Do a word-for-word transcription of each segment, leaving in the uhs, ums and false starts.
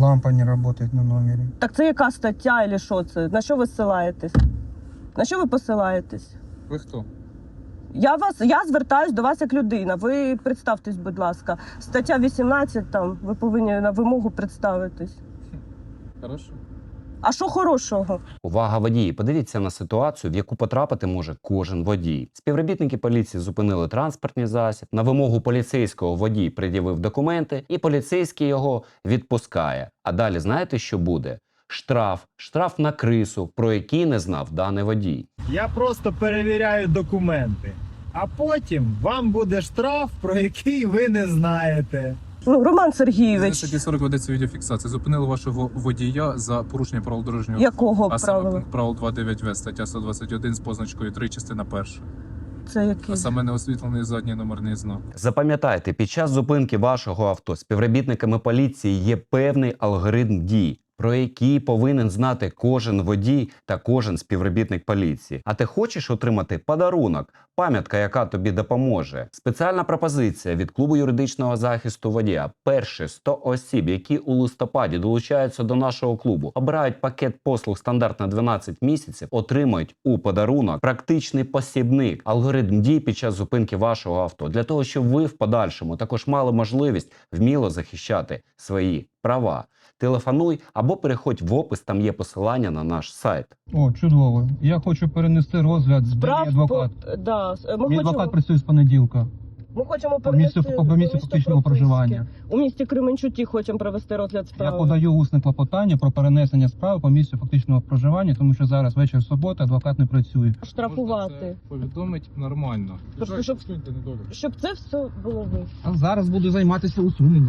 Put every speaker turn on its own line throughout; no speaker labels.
лампа не работает на номере.
Так це яка стаття і що це? На що ви ссилаєтесь? На що ви посилаєтесь?
Ви хто?
Я вас, я звертаюсь до вас як людина. Ви представтесь, будь ласка. Стаття вісімнадцять, там, ви повинні на вимогу представитись.
Хорошо.
А що хорошого?
Увага, водії! Подивіться на ситуацію, в яку потрапити може кожен водій. Співробітники поліції зупинили транспортний засіб. На вимогу поліцейського водій пред'явив документи, і поліцейський його відпускає. А далі знаєте, що буде? Штраф. Штраф на крису, про який не знав даний водій.
Я просто перевіряю документи. А потім вам буде штраф, про який ви не знаєте.
Ну, Роман
За
Сергійович,
статті сорок ведеться відеофіксація. Зупинили вашого водія за порушення правил дорожнього руху.
якого
А саме
правила?
пункт правил два дев'ять В, стаття сто двадцять один з позначкою три, частина перша.
Це який?
А саме неосвітлений задній номерний знак.
Запам'ятайте, під час зупинки вашого авто співробітниками поліції є певний алгоритм дій, про який повинен знати кожен водій та кожен співробітник поліції. А ти хочеш отримати подарунок, пам'ятка, яка тобі допоможе? Спеціальна пропозиція від клубу юридичного захисту водія. Перші сто осіб, які у листопаді долучаються до нашого клубу, обирають пакет послуг стандарт на дванадцять місяців, отримають у подарунок практичний посібник, алгоритм дій під час зупинки вашого авто, для того, щоб ви в подальшому також мали можливість вміло захищати свої права. Телефонуй або переходь в опис, там є посилання на наш сайт.
О, чудово. Я хочу перенести розгляд з
Справ
адвокат.
по- да, ми,
Мій
хочемо,
адвокат працює з понеділка.
ми хочемо
По місцю,
перенести
по місцю
до
фактичного
прописки.
проживання.
У місті Кременчуті хочемо провести розгляд
Я
справи.
подаю усне клопотання про перенесення справи по місцю фактичного проживання, тому що зараз вечір суботи, адвокат не працює.
Штрафувати.
Повідомить нормально.
Тобто, щоб- Щоб це все було ви.
А зараз буду займатися усуненням.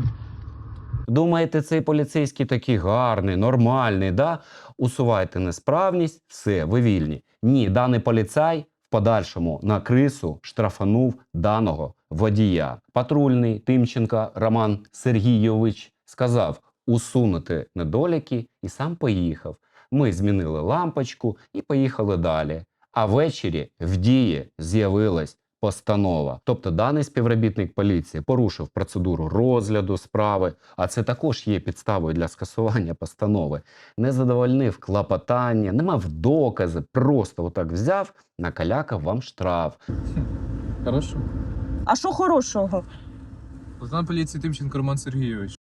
Думаєте, цей поліцейський такий гарний, нормальний, да? Усувайте несправність, все, ви вільні. Ні, даний поліцай в подальшому на крису штрафанув даного водія. Патрульний Тимченко Роман Сергійович сказав усунути недоліки і сам поїхав. Ми змінили лампочку і поїхали далі. А ввечері в дії з'явилась постанова. Тобто даний співробітник поліції порушив процедуру розгляду справи, а це також є підставою для скасування постанови. Не задовольнив клопотання, не мав докази, просто отак взяв, накалякав вам штраф.
Хорошо.
А що хорошого?
Лейтенант поліції Тимченко Роман Сергійович.